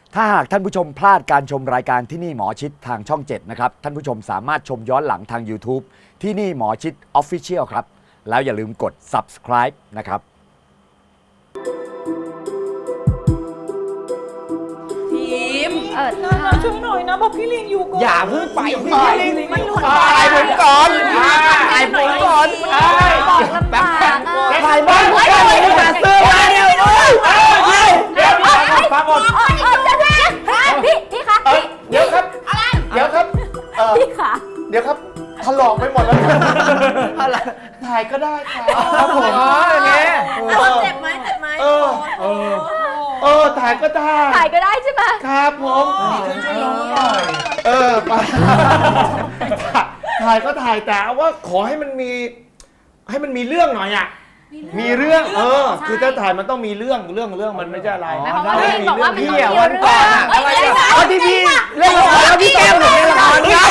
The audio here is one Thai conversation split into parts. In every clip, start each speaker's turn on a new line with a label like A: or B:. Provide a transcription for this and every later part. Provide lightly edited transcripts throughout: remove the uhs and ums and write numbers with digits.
A: ถ้าหากท่านผู้ชมพลาดการชมรายการที่นี่หมอชิดทางช่อง 7 นะครับ ท่านผู้ชมสามารถชมย้อนหลังทาง YouTube ที่นี่หมอชิด Official ครับ แล้วอย่าลืมกด subscribe นะครับ
B: ทีม
C: นาช่วยหน่อยนะบอกพี่ลิงอยู่ก่อน
D: อย่าเพิ่งไปพี่ลิง
C: มันหลุด
D: ถ่ายผมก่อนถ่ายผมก่อน
B: บอกลำบาก
D: ถ่ายบ้านผมก่อนเลยมาซื้อมาเดี๋ยวฟังหมด
B: พี่คะ
D: เดี๋ยวครับเดี๋ยวครับ
B: พี่คะ
D: เดี๋ยวครับถลอกไปหมดแล้วอะไรถ่ายก็ได้ครับผมอย่างเงี้ย
B: เจ็บไหม
D: ถ่ายก็ได้
B: ถ่ายก็ได้ใช่ไหม
D: ครับผมช่วยลงหน่อยไปถ่ายก็ถ่ายแต่ว่าขอให้มันมีเรื่องหน่อยอ่ะมีเรื่องคือถ้าถ่ายมันต้องมีเรื่องมันไม่ใช่อะไร
B: หมายความว่าพี่บอกว่าไม่
D: พี่
B: ต้อง
D: วันก่อนอะอะไรอะที่พี่เล่นละครแล้วพี่แก้มถึงเล่นละครครับ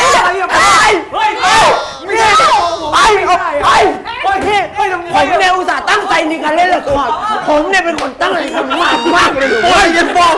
D: ผมเนี่ยอุตส่าห์ตั้งใจในการเล่นละครผมเนี่ยเป็นคนตั้งใจทำมากเลยโอ้ยอย่าบอก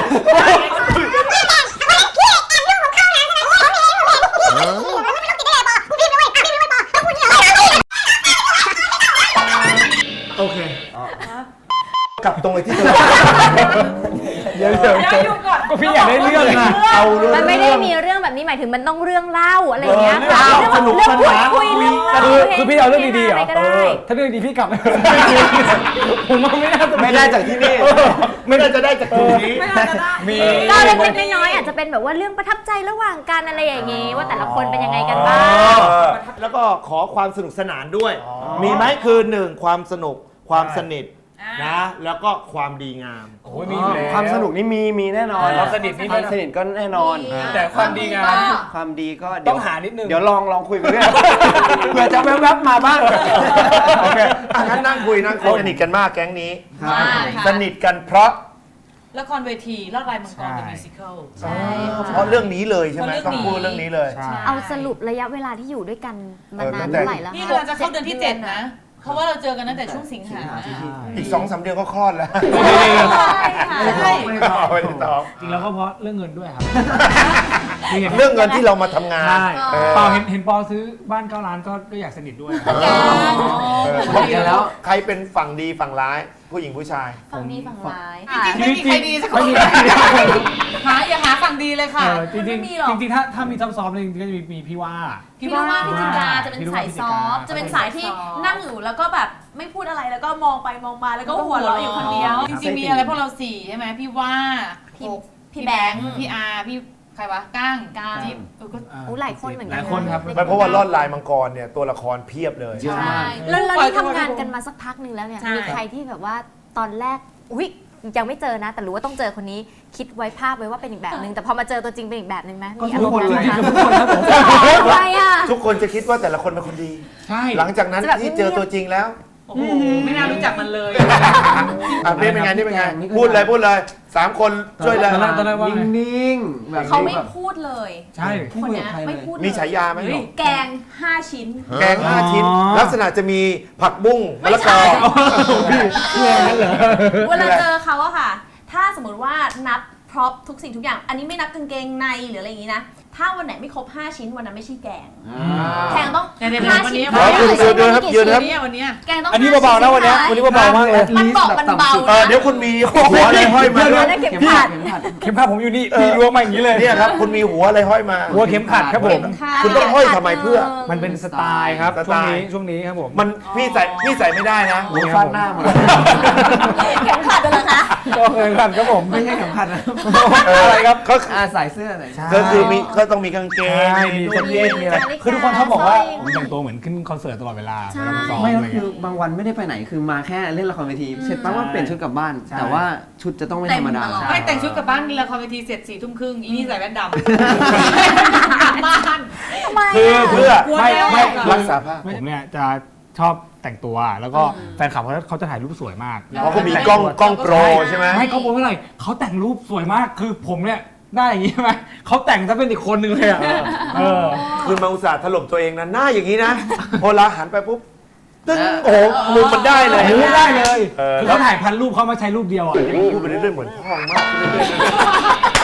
D: โอเคกลับตรงไอ้ที่เดี๋ยว
C: อยู่ก่อน
D: ก็พี่อยากได้เรื่องนะเอาเรื่อง
B: มันไม่ได้มีเรื่องแบบนี้หมายถึงมันต้องเรื่องเล่าอะไรอย่างเงี้ย
D: สนุกสนาน
B: คุยเรื่อง
E: คือพี่เอาเรื่องดีๆเหรอ
B: ก็ได้
E: ถ้าเรื่องดีพี่กลับ ผมว่าไม่น่าจะ
D: ไม่ได้จากที่นี่ไม่ได้จะได้จากตรงนี้
E: มี
B: ก็เล็กๆน้อยๆอาจจะเป็นแบบว่าเรื่องประทับใจระหว่างกันอะไรอย่างงี้ว่าแต่ละคนเป็นยังไงกันบ้าง
D: แล้วก็ขอความสนุกสนานด้วย มีไหมคือ1ความสนุกความสนิทนะแล้วก็ความดีงาม
E: โอ้ยมีอยู่แล้ว
F: ความสนุกนี่มีแน่นอน
E: ความสนิทนี่
F: ความสนิทก็แน่นอน
E: แต่ความดีงาม
F: ความดีก็
E: ต้องหานิดนึง
F: เดี๋ยวลองคุยกันเรื่องเผื่อจะแวบๆมาบ้าง
D: โอเคงั้นนั่งคุยสนิทกันมากแก๊งนี้
C: มากค่ะ
D: สนิทกันเพราะ
C: ละครเวทีลอดลายมังกรเป็นมิวสิควล
D: เพราะเรื่องนี้เลยใช่ไหม
C: เพราะ
D: ต้องพูดเรื่องนี้เลย
B: เอาสรุประยะเวลาที่อยู่ด้วยกันมานานเท่าไหร่แล้ว
C: นี่เราจะเข้าเดือนที่ 7 นะ เพราะว่าเราเจอกันตั้งแต่ช่วงสิงหา
D: อีก2-3 เดือนก็คลอดแล้ว
C: ใช่
D: ไม่ตอบ
E: จริงแล้วก็เพราะเรื่องเงินด้วยครับ
D: เรื่องเงินที่เรามาทำงาน
E: ใช่เปล่าเห็นปอซื้อบ้าน9 ล้านก็อยากสนิทด้วย
F: บอกกันแล้ว
D: ใครเป็นฝั่งดีฝั่งร้ายผู้หญิงผู้ชาย
B: ฝั่งดีฝั่งร้าย
C: จริงๆไม่มีใครดีสักคนอย่าหาฝั่งดีเลยค่ะ
E: จริง
B: ไม่มีหรอก
E: จริงถ้ามีซ้อมๆเลยจริงๆก็จะมีพี่ว่า
B: พี่ว่าพี่จินดาจะเป็นสายซอฟต์จะเป็นสายที่นั่งอยู่แล้วก็แบบไม่พูดอะไรแล้วก็มองไปมองมาแล้วก็หัวเราะอยู่คนเดียว
C: จริงๆมีอะไรพวกเรา4ใช่ไหมพี่ว่า
B: พี่แบงค์
C: พี่อาร์พี่ใครวะก้างจิ๊บก็
B: อู้หลายคนเหมือนกั
E: หลายคนครับ
D: ไม่เพราะว่าลอดลายมังกรเนี่ยตัวละครเพียบเลย
F: เยอะ
B: ใช่
F: มาก
B: แล้วที่ทำงานกันมาสักพักหนึ่งแล้วเนี่ย
C: ใช่
B: มีใครที่แบบว่าตอนแรกอุ๊ยยังไม่เจอนะ แต่รู้ว่าต้องเจอคนนี้คิดไว้ภาพไว้ว่าเป็นอีกแบบนึงแต่พอมาเจอตัวจริงเป็นอีกแบบนึงไหมมีอารมณ์นั้นไหมคะทำไมอ่ะ
D: ทุกคนจะคิดว่าแต่ละคนเป็นคนดี
E: ใช่
D: หลังจากนั้นที่เจอตัวจริงแล้ว
C: โอ้โหไม่น่ารู้จักมันเลย
D: นี่เป็นไงนี่เป็นไงพูดเลย3 คนช่วยเลย
E: ตอนแรกว่าไง
F: นิ่งๆแบบ
B: เขาไม่พูดเลย
E: ใช่
F: พูด
B: คน
F: กับ
B: เนี้ย
F: ใครเล
B: ไม่
F: ย
B: พูดเลย
D: มีฉายาไหม
B: แกง5 ชิ้น
D: แกง5 ชิ้น ลักษณะจะมีผักบุ้งมะละกอ
B: เวลาเจอเขาอะค่ะ ถ้าสมมติว่านับพร็อพทุกสิ่งทุกอย่าง อันนี้ไม่นับกางเกงในหรืออะไรอย่างนี้นะ ถ้าวันไหนไม่ครบ5 ชิ้นวันนั้นไม่ใช่แกงแกงต้อง
C: เดี๋ยว
B: 5
C: วัน
B: ชิ้
C: นี้
B: น
D: ยืนครับยืนครับ
C: วันนี้
B: แกงต้อง
E: อันนี้เบาๆนะวันนี้เบาๆมากเลย
B: มันบอกมันเบา
D: เดี๋ยวคุณมีหัวอะไรห้อยมาด้วย
B: นะเก็บผัด
E: เข็มขัดผมอยู่นี่พี่ล้วงมาอย่างนี้เลย
D: เนี่ยครับคุณมีหัวอะไรห้อยมา
E: หัวเข็มขัดครับผม
D: คุณต้องห้อยทำไมเพื่อ
E: มันเป็นสไตล์ครับ
D: สไตล์
E: ช่วงนี้ครับผม
D: มันพี่ใส่ไม่ได้นะ
F: หัวฟาดหน้าหมด
B: เข็มขัดเลยเหรอคะ
E: ก็เข็มขัดครับผม
F: ไม่ใช่เข็มขัดนะ
E: อะไรครับ
D: ก็
F: ใส่เสื้อหน่อย
D: ก็คือมีก็ต้องมีกางเกง
E: ใช่มีแจ็คเก็ตมีอะไร
B: นาฬิกา
E: คือทุกคนชอบบอกว่า
B: สร้อย
E: ผมแต่งตัวเหมือนขึ้นคอนเสิร์ตตลอดเวลา
B: ใช่
E: เวลาซ้อม
F: ไม่
E: อะ
F: ก็
E: ไร
F: คื
E: เงี้
F: อย บางวันไม่ได้ไปไหนคือมาแค่เล่นละครเวทีเสร็จปั๊บว่าเปลี่ยนชุดกลับบ้าน
E: ใช่
F: แต่ว่าชุดจะต้องไม่ธรรมดา
B: เต็มตลอด
C: ไม่แต่งชุดกลับบ้านละครเวทีเสร็จ4 ทุ่มครึ่งอีนี่ใส่แว่นดำกลับบ้าน
B: ทำไม
E: คือ
B: อะ
E: เพื่อ
C: กลัว
E: ไม่
C: แล้ว
E: ไม่
D: รักษาภาพ
E: ผมเนี่ยจะชอบแต่งตัวแล้วก็แฟนคลับเขาจะถ่ายรูปสวยมาก
D: เพราะเขามีกล้องโปรใช่ไหม
E: ไม่เขาโปรเท่าไหร่เขาแต่งรูปสวยมากคือผมเนี่ยได้อย่างนี้ใช่ไหมเขาแต่งซะเป็นอีกคนนึงเลยอ่ะ
D: คุณมาอุตส่าห์ถล่มตัวเองนะหน้าอย่างนี้นะพอลาหันไปปุ๊บตึ้งโอ้โหมุมมันได้เลย
E: รู้ได้เลย
D: เออ
E: คือเขาถ่ายพันรูปเขามาใช้รูปเดียวอ่ะ
D: พูดไปเรื่อยๆเหมือนพ่อมากเรื่อย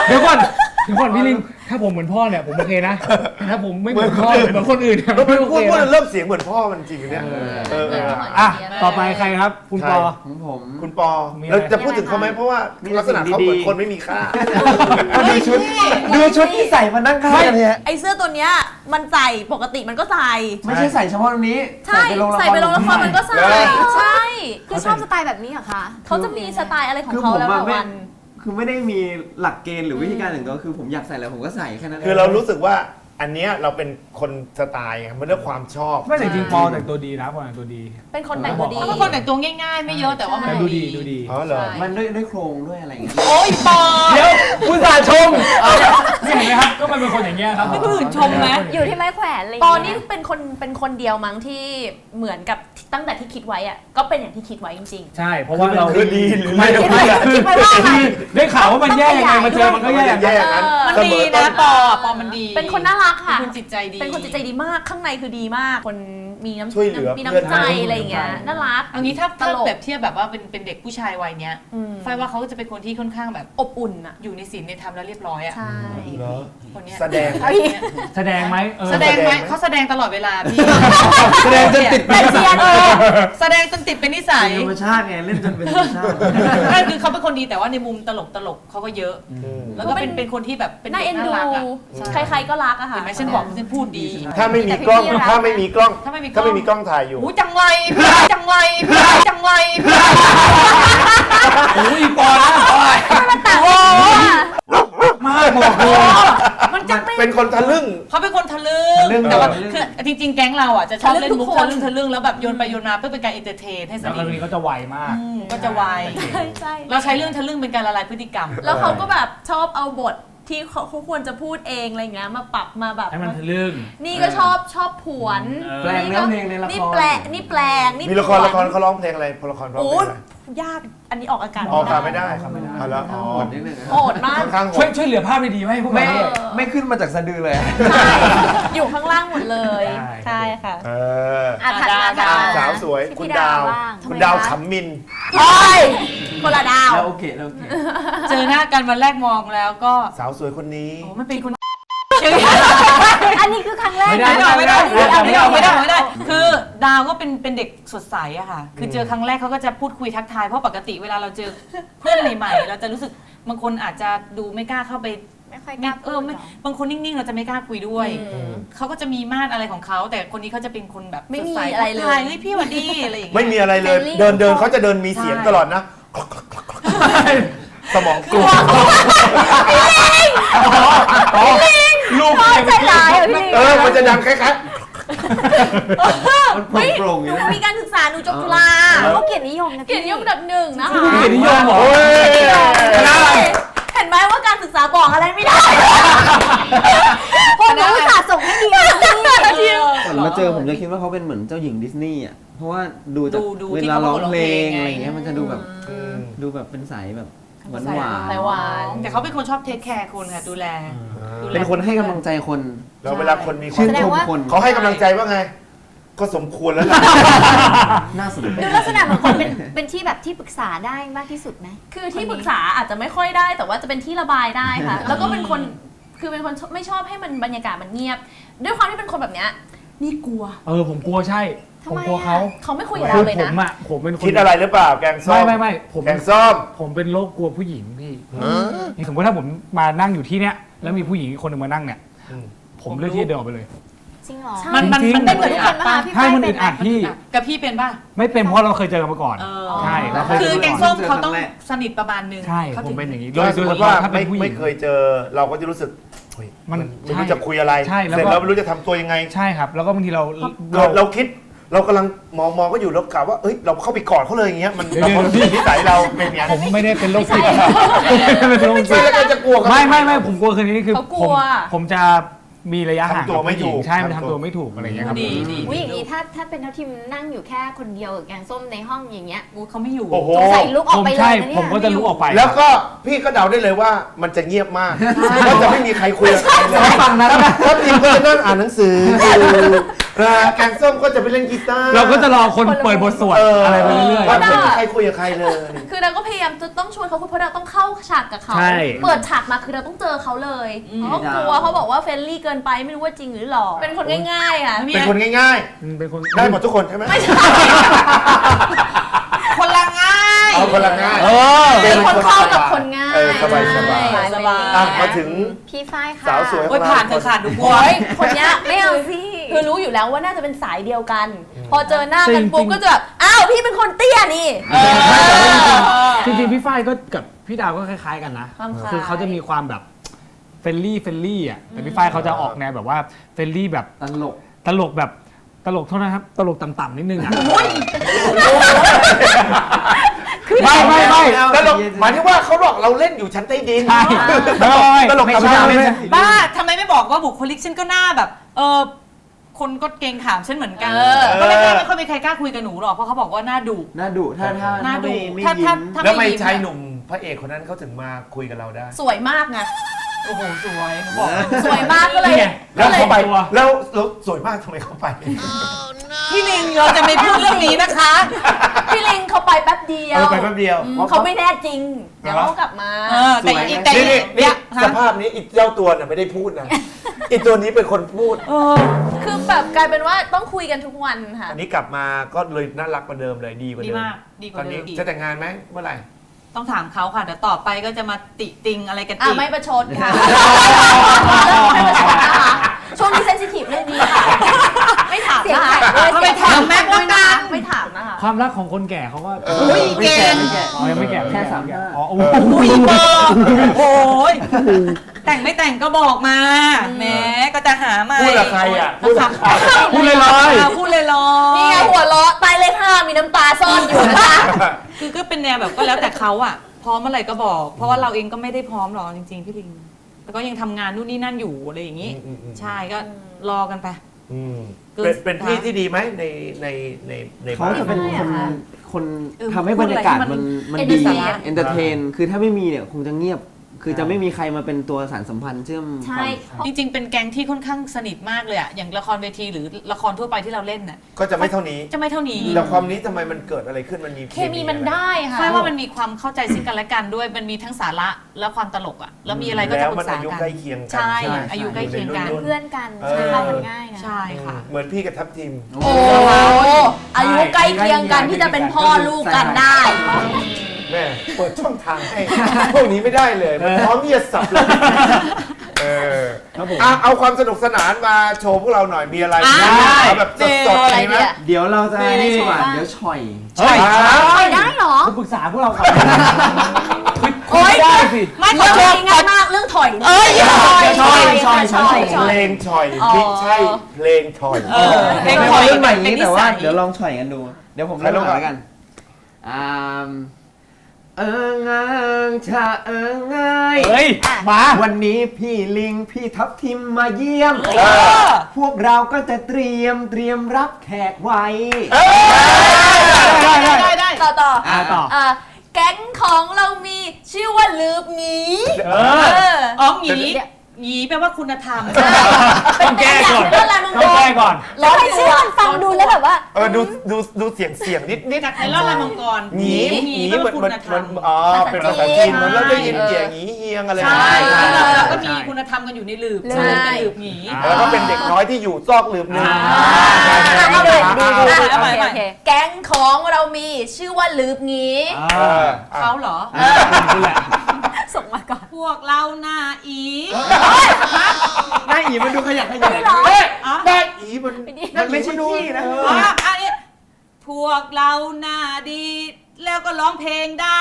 E: เดี๋ยวก่อนพี่ลิงถ้าผมเหมือนพ่อเนี่ยผมโอเคนะแต่ถ้าผมไม่เหมือนพ่อเหมือนคนอื่นเนี่ย
D: เรา
E: ไม่โอ
D: พูด
E: เคนะ
D: เริ่มเสียงเหมือนพ่อมันจริงเนี่ยเออ
E: อ่ะต่อไปใครครับ คุณปอ
F: ของผม
D: คุณปอ
E: มีอะไร
D: เราจะพูดถึงเขาไหมเพราะว่าลักษณะเขาเหมือนคนไม่มีค่า
F: ดูชุดที่ใส่มานั่งข้างกันเนี่ย
G: ไอเสื้อตัวเนี้ยมันใส่ปกติมันก็ใส่
F: ไม่ใช่ใส่เฉพาะตรงนี้
G: ใช่ใส่ไปลงละครมันก็ใส่
D: แล้ว
G: ใช่
B: คือชอบสไตล์แบบนี้เหรอคะ
G: เขาจะมีสไตล์อะไรของ
F: คือ
G: เขา
F: ผม
G: แล้ว
F: อะ
G: แต่
F: ไม่
G: วัน
F: คือไม่ได้มีหลักเกณฑ์หรือวิธีการหนึ่งก็คือผมอยากใส่แล้วผมก็ใส่แค่นั้นเอง
D: คือเรารู้สึกว่าอันเนี้ยเราเป็นคนสไตล์ไงมันเรื่องความชอบ
E: ไม่แต่จริงๆปอแต่งตัวดีนะปอแต่งตัวดี
G: เป็นคนแต่งตัวดี
C: เขาเป็นคนแต่งตัวง่ายๆ ไม่เยอะแต่ว่ามัน
E: แต่ดูดีดูดี
D: อ๋อเหรอ
F: มันด้วยโครงด้วยอะไรอย่างเงี้ย
C: โอ้ยปอ
E: เดี๋ยวคุณสาชมนี่เห็นไหมครับก็มันเป็นคนอย่างเงี้ยครับ
C: ไม่คนอื่นชมไหม
B: อยู่ที่ไม้แขวนอะไรอย่าง
G: ปอ
B: เงี้ย
G: นี่เป็นคนเดียวมั้งที่เหมือนกับตั้งแต่ที่คิดไว้อะก็เป็นอย่างที่คิดไว้จริง
E: ใช่เพราะว่าเรา
D: คือดีหรือ
E: ไม่
D: ไม่
E: คือได้ข่าวว่ามันแย่ยังไงมาเจอมันก็แย่อย่าง
D: แย่
E: นั้น
D: อย่างนั้น
C: มันดีนะปอมันดี
G: ๆ เป็นคนน่ารักค่ะ
C: เป็นคนจิตใจดี
G: เป็นคนจิตใจดีมากข้างในคือดีมาก คนมีน้ำ
D: ช่วยเหลือ
G: มีน้ำใจอะไรอย่างเงี้ยน่ารัก
C: เอางี้ถ้า
G: ตลก
C: แบบเทียบแบบว่าเป็นเด็กผู้ชายวัยเนี้ย
G: อืม
C: ไฟว่าเขาจะเป็นคนที่ค่อนข้างแบบ
G: อบอุ่นอะ
C: อยู่ในศีลในธรรมแล้วเรียบร้อยอ่ะ
G: ใช่
D: เหรอ
C: คนเนี้ย
D: แสดง
E: แสดงไหมเออ
C: แสดงไหมเขาแสดงตลอดเวลาพี่
F: แสดงจนติดเป็นนิสัย
C: แสดงจนติดเป็นนิสัย
F: เป็นธรรมชาติไงเล่นจนเป็นธรรมชาติ
C: นั่นคือเขาเป็นคนดีแต่ว่าในมุมตลกเขาก็เยอะ
D: อืม
C: แล้วก็เป็นคนที่แบบเป็น
G: น่า
C: เด็
G: เอ็
C: ก
G: น
C: น่า
G: ดู
C: รักอ่ะ
G: ใครๆก็รักอะค่ะ
C: เห็นไหมฉันบอกฉันพูดดี
D: ถ้าไม่มีกล้องถ้าไม่มีกล้อง
C: ถ้าไม่มีกล้
D: ถ้า
C: อง
D: ไม่มีกล้องถ่ายอยู่
C: หูจังไรพี่จังไรพี่จังไรพี่
E: โอ้ยปอนะ
C: โอ้
E: มากบอกเลย
C: มันจะเป็น
D: เป็นคนทะลึ่ง
C: เขาเป็นคนทะลึ่
F: ทะลึ่
C: ง
F: ง
C: แต่ว่า
F: ทะลึ่ง
C: คือจริงๆ แก๊งเราอ่ะจะชอบเล่นมุก
G: ทะลึ่งทุกคน
C: ทะลึ่งแล้วแบบโยนไปโยนมาเพื่อเป็นการเอนเตอร์เทนให้ส
E: แล้ว
C: นิ
E: คน
C: ท
E: นี้เขาจะไวมาก
C: ก็จะไว
G: ใช่
C: เราใช้เรื่องทะลึ่งเป็นการละลายพฤติกรรม
G: แล้วเขาก็แบบชอบเอาบทที่เขาควรจะพูดเองอะไรเงี้ยมาปรับมาแบบ
E: ให้มันทะลึ่ง
G: นี่ก็ชอบผวน
F: แปลงเนื้อเพลงในละคร
G: นี่แปลงนี่
D: มีละคร
G: ผวน
D: เขาร้องเพลงอะไรละครร้อง
G: โอ้
D: เพลง
G: ย
D: อะไร
G: ยากอันนี้ออกอากาศ
D: ออกอากาศไม่ได้
E: ไม่ได้
D: เอาละอ๋อ
F: โหดนิดนึงนะ
G: โหดมาก
D: ค่อนข้างโห
E: ช่วย
D: ด
E: เหลือภาพดีๆให้พวก
F: ไม่
E: เราด้วย
F: ไม่ขึ้นมาจากสะดือเลย
G: ใช่อยู่ข้างล่างหมดเลย
E: ใช่
G: ใช่ค่ะ
D: เออ
B: อ่ะถัดมาถัดมา
D: สาวสวย
B: ที่
D: คุณ
B: พี่
D: ดาว
B: บ้าง
D: คุณดาว
B: ทำไมคะ
D: ขำมิน
G: โอ้ยคนละดาว
F: แล้วโอเคแล้วโอเค
C: เจอหน้ากันวันแรกมองแล้วก็
D: สาวสวยคนนี้
C: โอ้ไม่เป็นคน
B: อันนี้คือครั้งแรก
E: ไม่ได้
B: นะ
C: ไม่ได้ไม่ได้คือดาวก็เป็นเด็กสดใสอะค่ะ คือเจอครั้งแรกเขาก็จะพูดคุยทักทายเพราะปกติเวลาเราเจอเพื่อนใหม่ๆเราจะรู้สึกบางคนอาจจะดูไม่กล้าเข้าไป
B: ไม่ค่อยกล้าพูด
C: ไม่
B: หรอ
C: บางคนนิ่งๆ เราจะไม่กล้าคุยด้วยเขาก็จะมีมาดอะไรของเขาแต่คนนี้เขาจะเป็นคนแบบ
G: ไม่มี
C: สดใส
G: อะไรเลย
C: ทักทาเฮ้ยพี่หวัดดีอะไรอย่างเงี้ย
D: ไม่มีอะไรเลย
B: Friendly
D: เดินเขาจะเดินมีเสียงตลอดนะ สมองกลัว
E: ลูก
B: ใจร้ายอ่ะพี่ลิง
D: มันจะดังคล้าย
F: มันโปร่งๆอ
G: ห
F: ยู่
G: นู
F: นะ
G: มีการศึกษาหนูจบจุฬา
B: เขาเกียรตินิยมนะ
G: เกียรตินิยมอันดับหนึ่งนะคะ
E: เกียรตินิยมเหรอ
D: ๆโอ้ย
G: เห็นไหมว่าการศึกษาบอกอะไรไม่ได้
B: พวกหนูอุตส่าห์ส่งให้ดีนะพี่
F: ก่อนมาเจอผมจะคิดว่าเขาเป็นเหมือนเจ้าหญิงดิสนีย์อ่ะ เพราะว่าดูจาก
C: ดู
F: เว
C: ที่
F: ลา
C: เขา
F: ร้อง
C: ร้อง
F: เพล
C: เพล
F: ง
C: ง
F: อะไร
C: ไง
F: เงี้ยมันจะดูแบบดูแบบเป็นสายแบบหวานหวาน
G: สายหวาน
C: แต่เขาเป็นคนชอบเทคแคร์คนค่ะดูแล
F: เป็นคนให้กำลังใจคน
D: แล้วเวลาคนมีควา
F: ชื่
D: ม
F: นชมคน
D: เขาให้กำลังใจว่าไง ก็สมควรแล้วล่ะ
F: น่าสนใจ
B: ดูลักษณะเหมือนคนเป็นที่แบบที่ปรึกษาได้มากที่สุดไหม
G: คือที่ปรึกษาอาจจะไม่ค่อยได้แต่ว่าจะเป็นที่ระบายได้ค่ะ แล้วก็เป็นคนคือเป็นคนไม่ชอบให้มันบรรยากาศมันเงียบ ด้วยความที่เป็นคนแบบเนี้ยนี่กลัว
E: ผมกลัวใช่ ผมกลัวเขา
G: เขาไม่คุยกับ
E: คื
G: เรา
E: อ
G: เลย
E: ผ
G: นะ
E: มอ่ะผมเป็นคน
D: คิดอะไรหรือเปล่า แกงส้ม
E: ไม่ผม
D: แกงส้ม
E: ผมเป็นโรคกลัวผู้หญิงพี่นี่สมมติถ้าผมมานั่งอยู่ที่เนี้ยแล้วมีผู้หญิงอีกคนหนึงมานั่งเนี่ย
D: อืม
E: ผมเลือกที่จะเดินออกไปเลย
B: จริงเหรอ
C: มัน
E: จริงๆ
G: เป็นเหมือนทุกคนปะ
E: ให้มันอึดอัดพี่
C: กับพี่เป็นป่ะ
E: ไม่เป็นเพราะเราเคยเจอกันมาก่อน ใช่เราเคย
C: คื
E: เจ
C: อ
E: อ
C: แก
E: กัน
C: ง
E: มาก่
C: ส้
E: อน
C: มเขาต้องสนิทประมาณนึง
E: ใช่
C: ขา
E: ผ
C: ถึ
E: ม
C: ง
E: เป็นอย่างนี้
D: โดยสมมติว่า
E: ถ้าเป็
D: ไม่
E: นผู้หญิ
D: ไม่
E: ง
D: เคยเจอ เราก็จะรู้สึกเฮ้ย
E: มัน
D: ไม่รู้
E: ใช่
D: จะคุยอะไร
E: ใช่แล้ว
D: เสร็จ
E: ก็
D: แล้วไม่รู้จะทำตัวยังไง
E: ใช่ครับ แล้วก็บางทีเรา
D: เราคิดเรากำลังมองก็อยู่แล้วกะว่าเอ้ยเราเข้าไปกอดเขาเลยอย่างเงี้ยมัน
E: เดี๋ยว
D: เรา
E: เดี๋ยว
D: นิสัยเราเป็นอย่าง
E: ผมไม่ได้เป็นโรคจิตไม่เป็นโรคจิ
D: ไม่
E: ต
D: แล้วก็จะกลัวกัน
E: ไม่ผมกลัวคืนนี้คือ
G: เขากลัว
E: ผมจะมีระยะห่าง
D: ทำตัวไม่ถูก
E: ใช่มันทำตัวไม่ถูกอะไรอย่างเงี้ยครับ
C: ดีดี
B: อุ้ยอย่างนี้ถ้าเป็นเท่าทีมนั่งอยู่แค่คนเดียวกับแกงส้มในห้องอย่างเงี้ย
C: กูเขาไม่อยู่
D: โอ้โห
B: สงสัยลุกออก
E: ผม
B: ไปเลย
E: ใช่
B: นะเนี่ย
E: ผมก็จะลุกออกไป
D: แล้วก็พี่ก็เดาได้เลยว่ามันจะเงียบมากว่าจะไม่มีใครคุยกับใครเลย
F: ฝั่งนั้นนะ
D: ถ้าทีมก็จะนั่งอ่านหนังสืออยู่แกงส้มก็จะไปเล่นกีตาร์
E: เราก็จะรอคนเปิดบทสวดอะไรไปเรื่อย
D: ก็ไม่มีใครคุยกับใครเลย
G: คือเราก็พยายามจะต้องชวนเขาคุยเพราะเราต้องเข้าฉากกับเขา
E: ใช่
G: เปิดฉากมาคือเราต้องเจอเขาเลยเขากลัวเขาบอกว่าเฟรนลี่เกินไปไม่รู้ว่าจริงหรือหลอกเป็นคนง่ายๆอ่ะ
D: เป็นคนง่าย
E: ๆเป็นคน
D: ๆ ได้หมดทุกคนใช่ไหม
G: ไม่ใช่
C: คนละง่าย
D: เอาคนละง่าย
G: เป็นคนเข้ากับคนง่าย
D: สบายสบาย
C: สบาย
D: อ่ะมาถึง
B: พี่ฝ้ายค่ะ
D: สาวสวยข
C: โอ้
D: อย งเรา
C: ผ่านเถอะค่ะดูกลัว
G: โอ้ยคนเนี้ย
B: ไม่เอาสิ
G: คือรู้อยู่แล้วว่าน่าจะเป็นสายเดียวกัน พอเจอหน้ากันปุ๊บก็จะแบบอ้าวพี่เป็นคนเตี้ยนี่
E: จริงๆพี่ฝ้ายก็กับพี่ดาวก็คล้ายๆกันนะ
G: ความคล้าย
E: คือเขาจะมีความแบบเฟรนลี่อ่ะแต่พี่ฝ้ายเขาจะออกแนวแบบว่าเฟรนลี่แบบ
F: ตลก
E: ตลกแบบตลกเท่านั้นครับตลกต่ำๆนิดนึงอ่ะไม่
D: ตลกหมายถึงว่าเขาหลอกเราเล่นอยู่ชั้นใต้ดิน
E: ใช่ไม่
D: ตลก
E: ไม่
D: ธรรม
E: ใช่
D: ดา
E: ไม่
D: ไม่
E: ใช่
D: ใช่
C: บ้าทำไมไม่บอกว่าบุคลิกฉันก็หน้าแบบคนก็เกรงขามฉันเหมือนกันก็ไม่ค่อยมีใครกล้าคุยกับหนูหรอกเพราะเขาบอกว่าหน้าดุ
F: น่าดุถ้า
C: หน้าดุ
F: ไม่
C: ถ้า
F: ยิ้ม
D: แล้วทำไม
C: ยิ้
D: ชายหนุ่มพระเอกคนนั้นเขาถึงมาคุยกับเราได้
G: สวยมากไง
C: โอ้โหสวยหนูบอก
G: สวยมากก็เลย
D: แล้วเขาไปแล้วสวยมากทำไมเขาไป
C: พี่ลิงเราจะไม่พูดเรื่องนี้นะคะ
G: พี่ลิงเขาไปแป๊บเดียว
D: ไปแป๊บเดียว
G: เขาไม่แน่จริงเดี๋ยวเขากลับมา
C: แต่อีแต่
D: นี่
C: เนี่ย
D: สภาพนี้อีเจ้าตัวน่ะไม่ได้พูดนะอีตัวนี้เป็นคนพูด
G: คือแบบกลายเป็นว่าต้องคุยกันทุกวันค่ะ
D: อันนี้กลับมาก็เลยน่ารักกว่าเดิมเลยดีกว่า
C: ดี
D: เดิม
C: มากดีก
D: ตอ
C: ว่าน เดิ
D: นี้
C: มอีก
D: จะแต่งงานไหมเมื่อไหร่
C: ต้องถามเขาค่ะเดี๋ยวต่อไปก็จะมาติติงอะไรกัน
G: อ่ะ
C: อีก
G: ไม่ประชดค่ะไม่ประชดนะคะช่วงนี้เซนซิทีฟเรื่องนี้ค่ะ ไม่ถาม
B: เสียง
G: นะคะ
B: แข็งด้วย
C: เอาไปถามแม็กซ์แล้วกัน
G: ไม่ถามนะคะ
E: ความรักของคนแก่เขาก็
C: อุ้ยเก่ง
E: อ๋อยังไม่แก่
F: แค่35
E: อ๋อโอ้
C: อุ้ยบอกโอ้ยแต่งไม่แต่งก็บอกมาแหมก็จะหามา
D: พูดกับใครอ่ะพูดกับใคร
E: พูดเลย
C: พูดเลยลอย
G: นี่ไงหัวเราะใต้เลข5มีน้ำตาซ่อนอยู่นะคะ
C: คือก็เป็นแนวแบบก็แล้วแต่เขาอะพร้อมเมื่อไหร่ก็บอก เพราะว่าเราเองก็ไม่ได้พร้อมหรอกจริงๆพี่ลิงแต่ก็ยังทำงานนู่นนี่นั่นอยู่อะไรอย่างนี้ ใช่ก็รอกันไป
D: อืม
C: เกิน
D: เป็นพี่ที่ดีไหมใน
F: เขา
D: บ้าน
F: จะเป็น
G: ไม่อะค่ะ
F: คน
C: เออ
F: ทำให้บรรยากาศมันดี
G: entertain
F: เอนเตอร์เทนคือถ้าไม่มีเนี่ยคงจะเงียบ คือจะไม่มีใครมาเป็นตัวสารสัมพันธ์เชื่อม
G: ใช่
F: ความ
C: จริงๆ เป็นแก๊งที่ค่อนข้างสนิทมากเลยอะอย่างละครเวทีหรือละครทั่วไปที่เราเล่นน่ะ
D: ก็จะไม่เท่านี้
C: จะไม่เท่านี้
D: แต่ความนี้ทำไมมันเกิดอะไรขึ้นมันมี
G: เคมีมันได้ค่ะ
C: ใช่ว่ามันมีความเข้าใจซึ่งกันและกันด้วยมันมีทั้งสาระและความตลกอะแล้วมีอะไรก็
D: แล้
C: จะ
D: ว
C: ปรึ
D: มัน
C: กษา
D: อายุ
C: กัน
D: ใกล้เคียงกัน
C: ใช่
D: ไหม
C: อายุใกล้เคียงกัน
D: อยู่ในรุ่
B: เพื่อนกัน
D: เออ
B: เข้ากันง่ายนะ
C: ใช่ค่ะ
D: เหมือนพี่กับทัพทีม
G: โอ้อายุใกล้เคียงกันที่จะเป็นพ่อลูกกันได้
D: แม่เปิดช่องทางให้ พวกนี้ไม่ได้เลยมันพร้อมที่จะสับเลยเอาความสนุกสนานมาโชว์พวกเราหน่อยมีอะไร
C: ได้
D: เอาแบบสดๆมีไหม
F: เดี๋ยวเราจะ
G: มีอะไร
F: นี่ดีกว่า
G: โชว์บ้าง
F: เดี๋ยวฉ่อย
E: เฮ้ย
B: ได้เหรอ
E: คุณปรึกษาพวกเราก่อน
G: โอ๊ย
E: ได้สิ
C: ไม่ข
G: เรื่
C: อ
G: อง
C: โทษ
G: นี้ง่ายมากเรื่องถอยนี่
C: เอ้ย
F: ช่อย
D: เพลงชอยไม่ใช่เพลงชอย
C: เพลง
F: ไม่
C: ถอย
F: เรื่องใหม่
C: เป็น
F: นี้
C: นิ
F: แต่
C: สั
F: ว่าย เดี๋ยวลองฉ่อยกันดู เดี๋ยวผมเริ่มก่อนแล้วกันงางชาง่าย
E: เฮ้ยมา
F: วันนี้พี่ลิงพี่ทับทิมมาเยี่ยม พวกเราก็จะเตรียมรับแขกไว้
C: ได้
G: ต่อ
E: ต่อ
G: แก๊งของเรามีชื่อว่าลืบหนี
C: อ๋อหยีหยีแปลว่าคุณธรรม
E: ต้องแก้ก่อน
G: เรื่องอะไรมึง
E: ต้องแก้ก่อน
B: แล้วทำไมชื่อมันฟังดูแล้วแบบว่า
D: ดูเสียงนิด
C: จากในรอดลายมังกร
D: หนี
C: แปล
D: เหมื
C: ว่า
D: อน
C: คุ
D: เหมือน
C: ณธรรม
D: อ๋อเป็นภาษาจีนเหมือนเราได้ยินเสียงหนีเฮียงอะไร
C: ใช่เราก็
E: ใช่
C: มีคุณธรรมกันอยู่ในหลืบ
B: ใช่
C: เป็นหลืบหยี
D: แล้วก็เป็นเด็กน้อยที่อยู่ซอกหลืบหนึง
G: ให้ดูดู
C: เอาใหม่
G: โอเคแก๊งของเรามีชื่อว่าลืบหนี
C: เขาเหรอ
E: คุณแหละ
B: ส่งมาก่อน
C: พวกเราหน้าอี
F: ได้อีมันดูขยันขยัน
D: เฮ้ยได้อีมันไม่ใช่ที่นะ
C: อันนี้พวกเราหน้าดี แล้วก็ร้องเพลงได้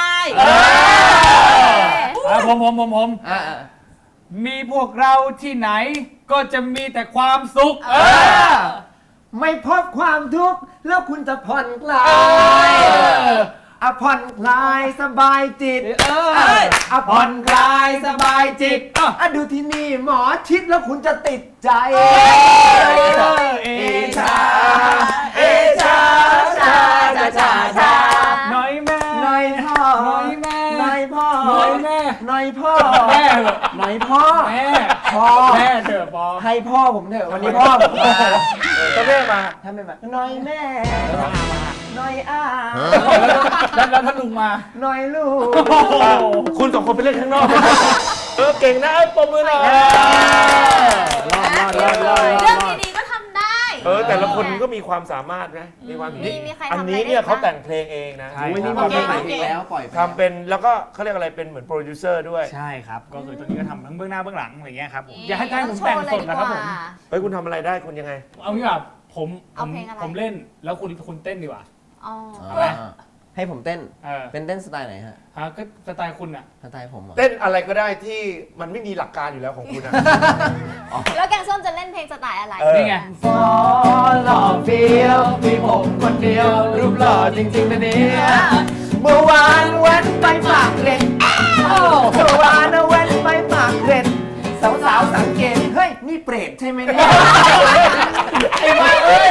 E: ผมมีพวกเราที่ไหนก็จะมีแต่ความสุข
F: ไม่พบความทุกข์แล้วคุณจะผ่อนคลายผ่อนคลายสบายจิตผ่อนคลายสบายจิตดูที่นี่หมอชิดแล้วคุณจะติดใจเอชาเอชาชาชาชาชา
E: หน่อยแม่
F: หน่อยพ่อ
E: หน่อยแม่
F: หน่อยพ่อ
E: หน่อยแม่
F: หน่อยพ่อ
E: แม่เหรอ
F: หน่อยพ่อ
E: แม่
F: พ่อ
E: แม่เถอะปอ
F: ให้พ่อผมเถอะวันนี้พ่อผมมา
D: ถ้าแม่มา
F: ถ้าไม่มาน้อยแม่น้อยอา
E: แล้วถ้าลุงมา
F: น้อยลูก
D: คุณสองคนไปเล่นข้างนอก เก่งนะปมมือหน่อย
B: เรื่องดีๆก็ทำได้
D: แต่ละคนก็มีความสามารถนะมีความ
B: มีใครทำ
D: อัน
B: อะไร
D: นี้
B: ได้
D: เนี่ยเขา
B: บ้าง
D: แต่งเพลงเองนะ
E: ใช่
F: วันนี้มาเป็นไหนอีกแล้วปล่อยไป
D: ทำเป็นแล้วก็เขาเรียกอะไรเป็นเหมือนโปรดิวเซอร์ด้วย
E: ใช่ครับ ก็คือตอนนี้ก็ทำทั้งเบื้องหน้าเบื้องหลังอะไรเงี้ยครับผมอยากให้ผมแต่งสดนะครับผม
D: เฮ้ยคุณทำอะไรได้คุณยังไง
E: เอางี้แบบผม
B: เอาเพลงอะไร
E: ผมเล่นแล้วคุณเต้นดีกว่า
B: อ๋อ
F: ให้ผมเต้น
E: เออ
F: เป็นเต้นสไตล์ไหนฮะ
E: ฮะก็สไตล์คุณอ่ะ
F: สไตล์ผมเหรอ
D: เต้นอะไรก็ได้ที่มันไม่มีหลักการอยู่แล้วของคุณนะ
B: แล้วแกงส้มจะเล่นเพลงสไตล์อะไร
E: นี่ไง
F: ฟอหล่อเฟี้ยวมีผมคนเดียว รูปหล่อจริงๆนะเนี่ยเมื่อวานแว้นไปฝากเกร็ดเมื่อวานแว้นไปฝากเกร็ดสาวๆสังเกต เฮ้ย นี่เปรตใช่ไหมเนี่ยไอ้มาเอ้ย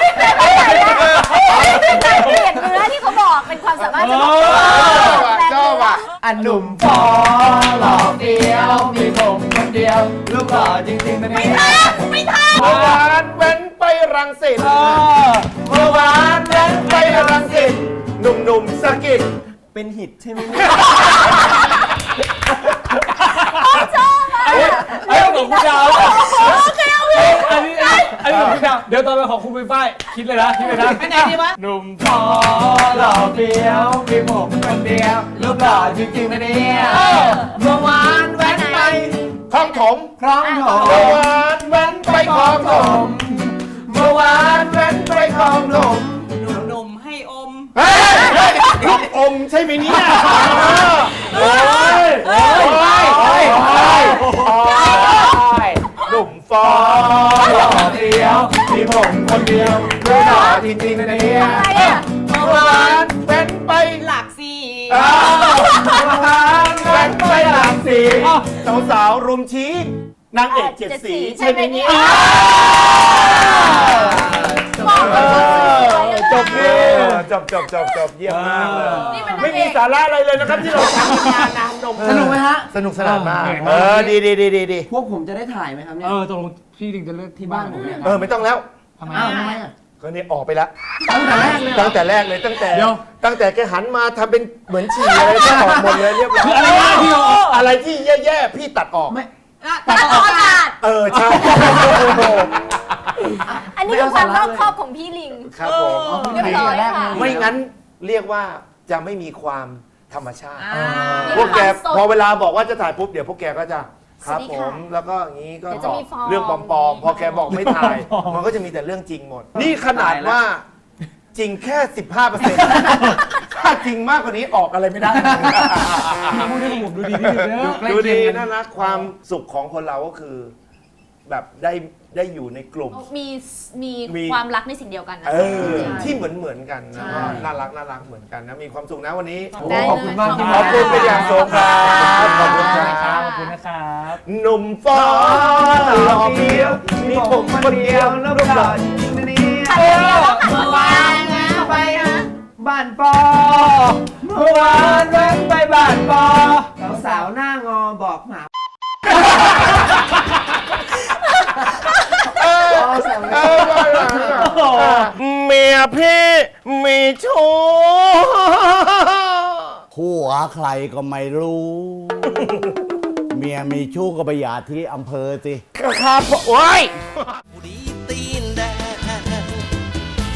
B: เปลี่ยนเนื้อที่เขาบอกเป็นความสามารถเฉพาะตัว
D: ชอบอ่ะ
F: อันหนุ่มฟอหล่อเฟี้ยวมีผมคนเดียว รูปหล่อจริงๆนะเนี่ย
D: เมื่อวานเว้นไปรังสิตเมื่อวานเว้นไปรังสิตหนุ่มๆสะกิด
F: เป็นหิตใช่ไหมเนี่ย
E: ไอ้ของคุณดาวอันนี้ของคุณดาวเดี๋ยวตอนไปของคุณไปฝ้ายคิดเลยนะคิดเลยนะ
C: ไปไหนดีวะ
E: หนุ่ม
F: ฟอหล่อเฟี้ยวมีผมคนเดียว รูปหล่อจริงๆนะเนี่ยเมื่อวานแว้นไป
D: คลองถม
F: คล้องถม
D: เมื่อวานเว้นไปคลองถม
F: เมื่อวานแว้นไปคลองถม
C: หนุ่มให้อม
D: เฮ้ยลูกอมใช่ไหมเนี่ยโอ้ยโอ้ยโอ้ยหนุ่มฟอ
F: หล่อเฟี้ยวมีผมคนเดียวรูปหล่อจริงๆนะเนี่ย
B: อะไรอ่ะ
D: เมื่อวานเว้นไป
C: หลักสี่
F: เมื่อวานแว้นไปหลังสี
D: สาวๆรุมชี้นางเอกเจ็ดสีใช่ไหมเนี่ย จบเยี่ยมมากเลย
B: นี่เป็นนางเอก
D: ไม่มีสาระอะไรเลยนะครับที่เราทำงานน้ำนม
F: สนุกไหมฮะ
D: สนุกสนานมาก
E: เหนื่อยมาก
D: ดี
F: พวกผมจะได้ถ่ายไหมครับเนี่ย
E: ตกลงพี่ถึงจะเลือกที่
F: ที่
E: บ้า
F: บ้าน นผมเนี่ย
D: ไม่ต้องแล้ว
E: ทำไม
F: อ้าวทำไมอ่ะ
D: ก็นี่ออกไปแล้ว
F: ตั้งแต่แรกเลยเหรอ
D: ตั้งแต่แรกเลยตั้งแต่
E: เดี๋ยว
D: แกหันมาทำเป็นเหมือนฉี่อะไรก็ออกหมดเลยเรียบร้อย
E: อะไรนะที่เราออก
D: อะไรที่แย่ๆพี่ตัดออก
F: ไม่
B: ตัดออกอากาศ
D: ใช่
B: อันนี้คือความรอบคอบของพี่ลิง
D: ครับผม
B: เรียบร้อยค่ะ
D: ไม่งั้นเรียกว่าจะไม่มีความธรรมชาติ
B: มี
D: พวกแก
B: ความสด
D: พอเวลาบอกว่าจะถ่ายปุ๊บเดี๋ยวพวกแกก็จะครับ
B: สวัสดี
D: ผ
B: ค่ะ
D: มแล้วก็อย่างนี้ก็
B: เดี๋ยวจะ
D: ตอบ
B: มีฟอร์ม
D: เรื่องปลอมๆพอแกบอกไม่ถ่าย มันก็จะมีแต่เรื่องจริงหมด นี่ขนาดว่าจริงแค่ 15%ถ้าจริงมากกว่านี้ออกอะไรไม่ได้
E: พูดให้ผมดูดีที่สุดเนอะ
D: ดูดีน่ารักความสุขของคนเราก็คือ แบบได้อยู่ในกลุ่ม
B: มีความรักในสิ่งเดียวกันนะ
D: ที่เหมือนกันนะก็น่ารักเหมือนกันนะมีความสุขนะวันนี้
B: ได้
F: ขอบคุณมากที่
D: ขอบคุณเป็นอย่างสูงครับขอบคุณค
E: ค
D: รั
E: รับบ ขอบคุณนะครับ
D: หนุ่มฟ้าหล่อเฟี้ยวมีผมคนเดียวรูปหล่อจริงๆนะเนี่ย
B: ขัดเดียวแล้วขัด
F: เมื่อ
B: วาว
F: าน
B: น
F: นะไปนะบ้านปอเมื่อวานแว้นไปบ้านปอสาวๆหน้างอบอกหมา
D: เมียพี่มีชู้
H: ผัวใครก็ไม่รู้ เมียมีชู้ก็ไปหย่าที่อำเภอสิ
D: ครับโอ้ย
I: ผู้ดี